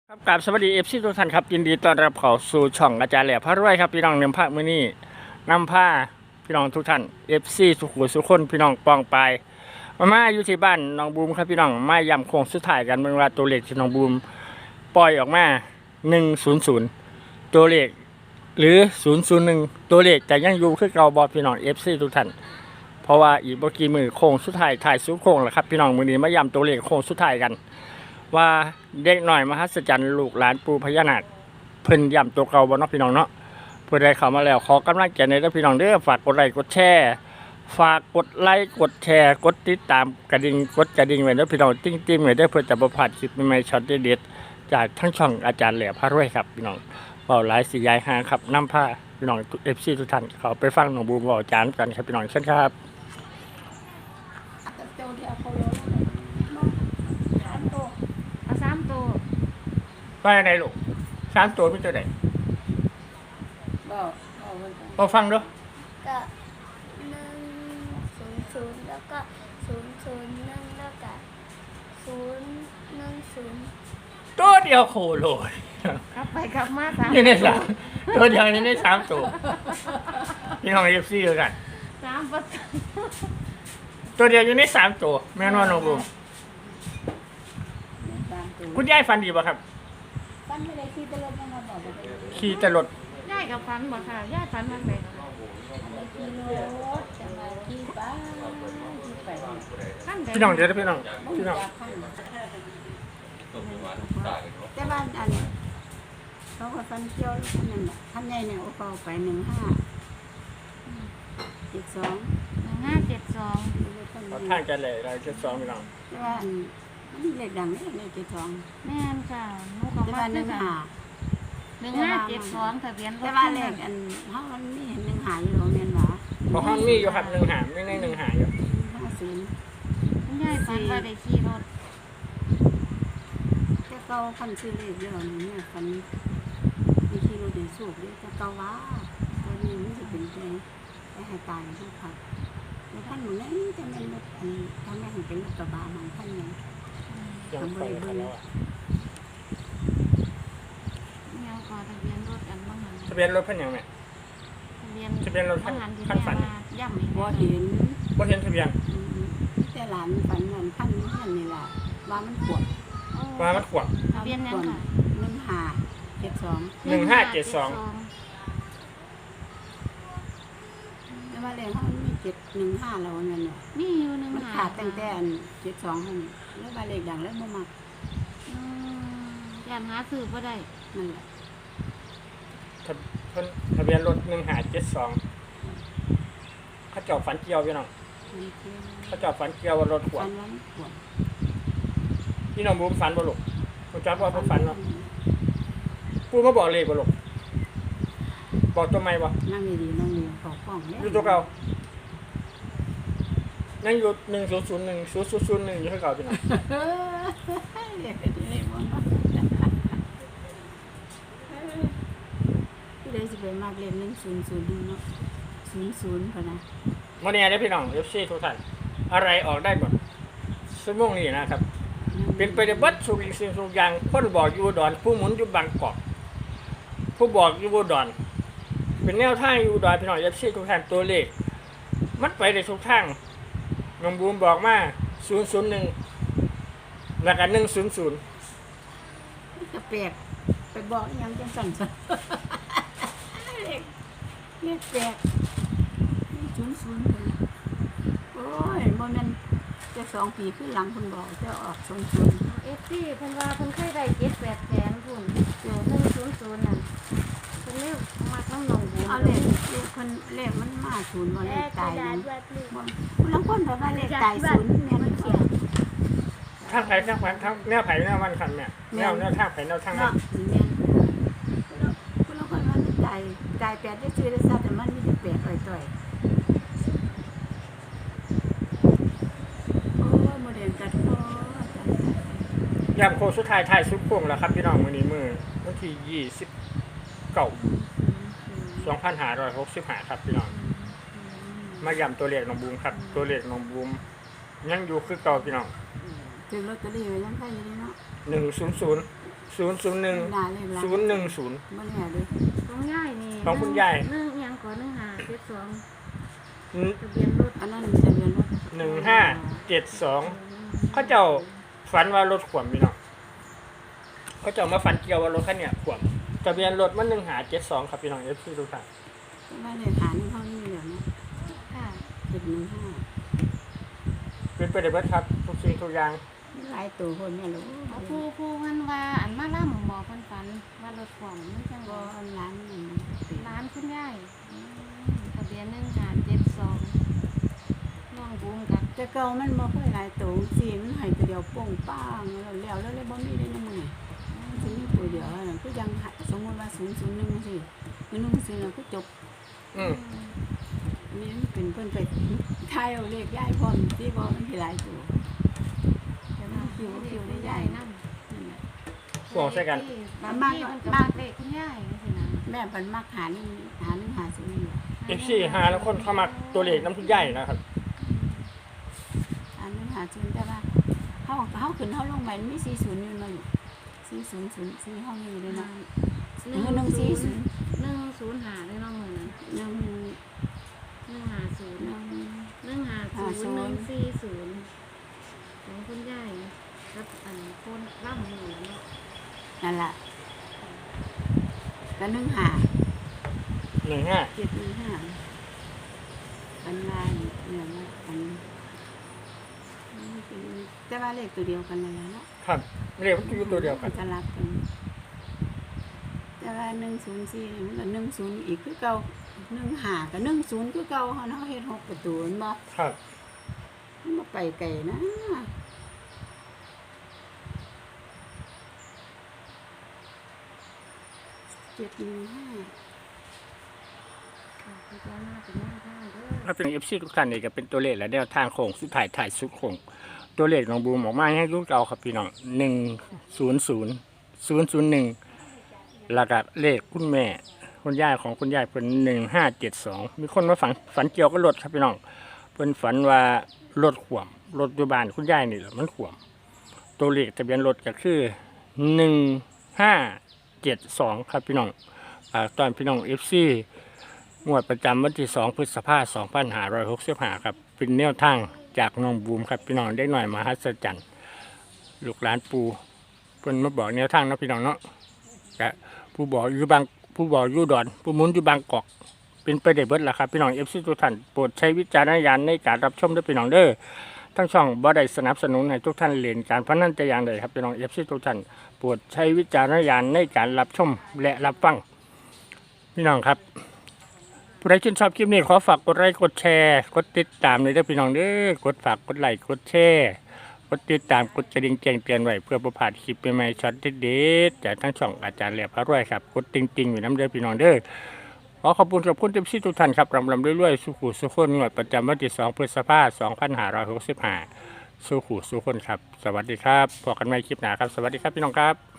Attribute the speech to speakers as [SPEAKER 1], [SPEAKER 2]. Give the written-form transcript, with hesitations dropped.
[SPEAKER 1] ครับกราบสวัสดีFCทุกท่านครับยินดีต้อนรับเข้าสู่ช่องอาจารย์แหล่พระรวยครับพี่น้องเนื้อผ้ามื้อนี้นำผ้าพี่น้องทุกท่าน FC สุขุมสุขคนพี่น้องปองปลายมาอยู่ที่บ้านน้องบูมครับพี่น้องมาย้ำโค้งสุดท้ายกันเมื่อว่าตัวเลขที่น้องบูมปล่อยออกมา100ตัวเลขหรือ001ตัวเลขแต่ยังอยู่คือเก่าบ่พี่น้อง FC ทุกท่านเพราะว่าอีกบ่กี่มื้อโค้งสุดท้ายถ่ายสุดโค้งแล้วครับพี่น้องมื้อนี้มาย้ำตัวเลขโค้งสุดท้ายกันว่าเด็กหน่อยมหัศจรรย์ลูกหลานปู่พญานาคเพิ่นย้ำตัวเก่าบ่เนาะพี่น้องเนาะผู้ใดเข้ามาแล้วขอกำลังใจในเด้อพี่น้องเด้อฝากกดไลค์กดแชร์ฝากกดไลค์กดแชร์กดติดตามกระดิ่งกดกระดิ่งไว้เด้อพี่น้องติ้งๆไว้เด้อเพื่อจะบ่พลาดคลิปใหม่ๆช็อตเด็ดๆจากทั้งช่องอาจารย์แหล่พระรวยครับพี่น้องเว้าหลายสิยายหางครับนำผ้าพี่น้อง FC ทุกท่านเข้าไปฟังน้องบูมเว้าอาจารย์กันครับพี่น้องเชิญครับ
[SPEAKER 2] เจ้าที่เอาเขาเลยเอาสามตัว
[SPEAKER 1] ว่าจังไดลูก3ตัวพี่ตัวใด
[SPEAKER 2] บอกมัน
[SPEAKER 1] บ่ฟังเด้อ
[SPEAKER 3] ก็100แล้วก็001แล้วก็010
[SPEAKER 1] ตัวเดียวโคโลย
[SPEAKER 2] กลับไปกลับมาสาม
[SPEAKER 1] นี่ในสามตัวเดียวนี่ใน3ตัวพี่น้อง FC ด้วยกัน
[SPEAKER 2] สามประตู
[SPEAKER 1] ตัวเดียวอยู่ใน3ตัวแม่นว่าน้องบูม
[SPEAKER 2] สามตัว
[SPEAKER 1] คุณยายฟันดีป่ะครับ
[SPEAKER 2] ฟันไม่ได้ขี่ตลอดยังมาบอกว่าไป
[SPEAKER 1] ขี่แต่รถ
[SPEAKER 2] ย่ายกับฟันบ่ค่ะย่ายฟันมันไปขี่รถจะมาขี่ไปขี่ไปขั้น
[SPEAKER 1] พี่น้องเดี๋ยวนะพี่น้องพี่น้อง
[SPEAKER 2] แต่บ้านอันเขาก็ฟันเกี่ยวนั่นแหละท่านใหญ่เนี่ยเอาเป่าไป1572
[SPEAKER 1] เอาทางกันเลยเราจะสอนพี่น้อง
[SPEAKER 2] แต่ว่าอันมันเลขดังเนี่ยเลข72
[SPEAKER 4] แม่นค่ะหนูก็
[SPEAKER 2] แต่
[SPEAKER 4] มา
[SPEAKER 2] ว่า
[SPEAKER 4] คือกัน
[SPEAKER 2] 15
[SPEAKER 4] 1572ทะเบียนรถ
[SPEAKER 2] แต่ว่าเลขอันเฮามันมีเห็น1หาอยู่โรงเรียนหว่า
[SPEAKER 1] เพราะห้องมีอยู่ครับ1หามไม่ใน1หาอยู่
[SPEAKER 2] 50
[SPEAKER 4] คุณยายฝันว่าได้ขี่รถ
[SPEAKER 2] แต่เก่าคันซื้อเลขเรื่องนี้เนี่ยคันมีที่รถได้สูบเลยแต่เก่าว่าตัวนี้มันสิเป็นไปให้ตายทุกครับแล้วท่านหนูนี่จะเป็นรถอันทำแม่ถึงเป็นรถกระบะของท่านเนี่ย
[SPEAKER 1] ยังไปกันแล้วอะ
[SPEAKER 4] ยังก่อทะเบียนรถอันบ่หัน
[SPEAKER 1] ทะเบียนรถเพิ่นยังไง
[SPEAKER 4] ทะเบียน
[SPEAKER 1] ทะเบียนรถ
[SPEAKER 4] บ่หันที่
[SPEAKER 1] ขั้น
[SPEAKER 4] แม่
[SPEAKER 1] ฝัน
[SPEAKER 4] มาย่ำอีก
[SPEAKER 2] บ่
[SPEAKER 4] แล้ว
[SPEAKER 2] เห็น
[SPEAKER 1] บ่เห็นทะเบียน
[SPEAKER 2] แต่หลานฝันเหมือนขั้นนี้นั่นนี่แหละว่ามันปวด
[SPEAKER 1] ว่ามันขวบ
[SPEAKER 4] ทะเบียนยังค่ะ
[SPEAKER 2] 1572
[SPEAKER 1] 1572
[SPEAKER 2] แต่ว่าเลขเขามันมี715แล้วนั่นน่ะ
[SPEAKER 4] มีอยู่หนึง
[SPEAKER 2] มัน
[SPEAKER 4] หา
[SPEAKER 2] ขาดตั้งแต่อัน72หั่นแล้วว่าเลขดังแล้วบ่มัก
[SPEAKER 4] ย่านหาซื้อบ่ได้
[SPEAKER 2] นั่นแหละ
[SPEAKER 1] ทะเบียนรถ1572เขาเจาะฝันเกี่ยวพี่น้อง
[SPEAKER 2] มันเที่ยว
[SPEAKER 1] เขาเจาะฝันเกี่ยวว่ารถขว
[SPEAKER 2] ฝั
[SPEAKER 1] บ
[SPEAKER 2] นว่ามันปวด
[SPEAKER 1] พี่น้องบูมฝันบ่ลูกคุณจักว่าเพิ่นฝันเนาะปู่มาบอกเลขบ่ลูกบอกตัวใหม่บ่
[SPEAKER 2] นั่งดีๆนั่งดีขอฟ้องแล้ว
[SPEAKER 1] อยู่ตัวเก่ายังอยู่1001 อยู่คือเก่าพี่น้อง
[SPEAKER 2] เฮ้ยเรียกไปได้บ่เนาะผู้ใดสิไปมากเรียน1001เนาะ00พะนะ
[SPEAKER 1] วันนี้ได้พี่น้อง FC ทุกท่านอะไรออกได้หมดชั่วโมงนี้นะครับ เป็นไปได้เบัดสุกสิ่งทุกอย่างคนบอกอยู่อุดอนผู้หมุนอยู่บางกอกผู้บอกอยู่อุดอนเป็นแนวทางอยู่อุดอนพี่น้อง FC ทุกท่านตัวเลขมันไปได้ทุกทางน้องบูมบอกมา001แล้วก็100
[SPEAKER 2] จะแปลกไปบอกอีหยังจังซั่นซะเลขแปลก00พะนะโอ้ยบ่แม่นจะ2 ปีขึ้นหลังเพิ่นบอกจะออก00
[SPEAKER 4] FC เพิ่นว่าเพิ่นเคยได้7-8แสนพุ่น100นั่นเพิ่นเรียกมักน้ำหนองบัว
[SPEAKER 2] เอาเลขคนเลขมันมาศูนย์บ่เลขตายนั้นบ่บางคนแบบว่าเลขตายศูนย์แม่มันเขียน
[SPEAKER 1] ทางไผ่ทางไผ่ทางแนวไผ่แนวมันคันเนี่ยแนวทางไผ่แนวทางนั้
[SPEAKER 2] เนาะ
[SPEAKER 1] น
[SPEAKER 2] แม่นคนละคนมันตายแปดได้ซื้อได้ซะแต่มันมีแต่แปดต่อยๆโอ้ยโมเดลกัดคอย
[SPEAKER 1] ามโค้งสุดท้ายท้ายสุดโค้งแล้วครับพี่น้องมื้อนี้มื้อวันที่29 2565ครับพี่น้องมาย้ำตัวเลขน้องบูมครับตัวเลขน้องบูมยังอยู่คือเก่าพี่น้อง
[SPEAKER 2] ถึงลอตเตอรี่ไว้ยังไงอยู่นี่เนาะ
[SPEAKER 1] 100 001
[SPEAKER 2] ด่าเลยล่ะ
[SPEAKER 1] 010
[SPEAKER 2] บ่แน่เด้อ
[SPEAKER 4] ของยายนี่
[SPEAKER 1] ของคุณยาย
[SPEAKER 4] หนึ่งอิหยังก่อน1572
[SPEAKER 1] อืม
[SPEAKER 4] ทะเบียนรถ
[SPEAKER 2] อันนั้นทะเบียนรถ
[SPEAKER 1] 1572เขาเจ้าฝันว่ารถขวมพี่น้องเขาเจ้ามาฝันเกี่ยวว่ารถคันเนี้ยขวมทะเบียนรถมัน1572ครับพี่น้อง FC ทุกท่าน
[SPEAKER 2] ไม่ได้หานี่เขานี่เดี๋ยวนะ
[SPEAKER 4] ค่ะ
[SPEAKER 2] 715
[SPEAKER 1] เป็นไปได้เบิดครับทุกสิ่งทุกอย่าง
[SPEAKER 2] หลายตัวคนเนี่ยลูก
[SPEAKER 4] เอาผู้เพิ่นว่าอันมาล่ำหมอเพิ่นฝันว่ารถขวางมันจัง
[SPEAKER 2] ก็
[SPEAKER 4] บ่
[SPEAKER 2] ร้านนี่
[SPEAKER 4] ร้านคุณยายทะเบียน1572น้องบูมกับ
[SPEAKER 2] แต่เก่ามันบ่ค่อยหลายตัวสิมันให้ตัวเดียวโป่งป้างแล้วเลยบ่มีได้ในมือมันสิมีตัวเดียวนั่นคือยังสมมุติว่า001สิ1สิแล้วก็จบ
[SPEAKER 1] อืม
[SPEAKER 2] อันนี้มันเป็นเพิ่นไปทายเอาเลขยายพร้อมสิบ่มันสิหลายตัว
[SPEAKER 4] แต่ว่าคิวได้ยายนำ
[SPEAKER 2] นั่นแหละ
[SPEAKER 1] ขวงใส่กัน
[SPEAKER 4] บางทีมันก็มักเลขคุณยายจังซี่นะ
[SPEAKER 2] แม่เพิ่นมักหานี่หาซื้ออยู่
[SPEAKER 1] FC หาแล้วคนเข้ามาตัวเลขน้ำทุกใหญ่นะครับ
[SPEAKER 2] อันนี้หาซื้อแต่ว่าเฮาขึ้นเฮาลงไปมี40อยู่เนาะลูก4004เฮามีเลยเนาะ140
[SPEAKER 4] 105เลยเนาะมื้อนั้น 150 140 ของคุณยายกับอันคนร่ำอยู่เนาะ
[SPEAKER 2] นั่นล่ะก็15
[SPEAKER 1] 15
[SPEAKER 2] 715อันลายเนี่ยนะอันแต่ว่าเลขตัวเดียวกันนั่นแหละเนาะ
[SPEAKER 1] ครับเลขมันอยู่ตัวเดียวกัน
[SPEAKER 2] จะรับกันแต่ว่า104มันก็10อีกคือเก่า15ก็10คือเก่าเฮาเฮ็ด6ประตูแม่นบ่
[SPEAKER 1] ครับ
[SPEAKER 2] มันบ่ไปไกลนะ715
[SPEAKER 4] พิจารณาเป็นแนวทางเด้อ
[SPEAKER 1] ถ้าเป็น FC ทุกท่านนี่ก็เป็นตัวเลขและแนวทางโค้งสุดท้ายถ่ายสุดโค้งตัวเลขของบูมออกมาให้ลูกเก่าครับพี่น้อง100001แล้วก็เลขคุณแม่คุณย่าของคุณย่าเป็น1572มีคนมาฝันเกี่ยวกับรถครับพี่น้องเพิ่นฝันว่ารถขวมรถอยู่บ้านคุณย่านี่แหละมันขวมตัวเลขทะเบียนรถก็คือ1572ครับพี่น้องตอนพี่น้อง FC งวดประจำวันที่2พฤษภาคม2565ครับเป็นแนวทางจากน้องบูมครับพี่น้องได้หน่อยมหัศจรรย์ลูกหลานปูเพิ่นมาบอกแนวทางเนาะพี่น้องเนาะก็ผู้บอกอยู่ดอนผู้หมุนอยู่บางกอกเป็นไปได้เบิดล่ะครับพี่น้อง FC ทุกท่านโปรดใช้วิจารณญาณในการรับชมด้วยพี่น้องเด้อทั้งช่องบ่ได้สนับสนุนให้ทุกท่านเล่นการพนันแต่อย่างใดครับพี่น้อง FC ทุกท่านโปรดใช้วิจารณญาณในการรับชมและรับฟังพี่น้องครับผู้ใดชื่นชอบคลิปนี้ขอฝากกดไลค์กดแชร์กดติดตามเลยเด้อพี่น้องเด้อกดฝากกดไลค์กดแชร์กดติดตามกดกระดิ่งแจ้งเตือนไว้เพื่อประพลาดคลิปใหม่ๆช็อตเด็ดๆจากทั้งช่องอาจารย์แหลมพระรวยครับกดติงๆอยู่น้ำเด้อพี่น้องเด้อขอขอบคุณกับคุณเต็มที่ทุกท่านครับรำเรื่อยๆสุขุสุขคนงวดประจำวันที่2พฤษภาคม2565สุขุสุขคนครับสวัสดีครับพบกันใหม่คลิปหน้าครับสวัสดีครับพี่น้องครับ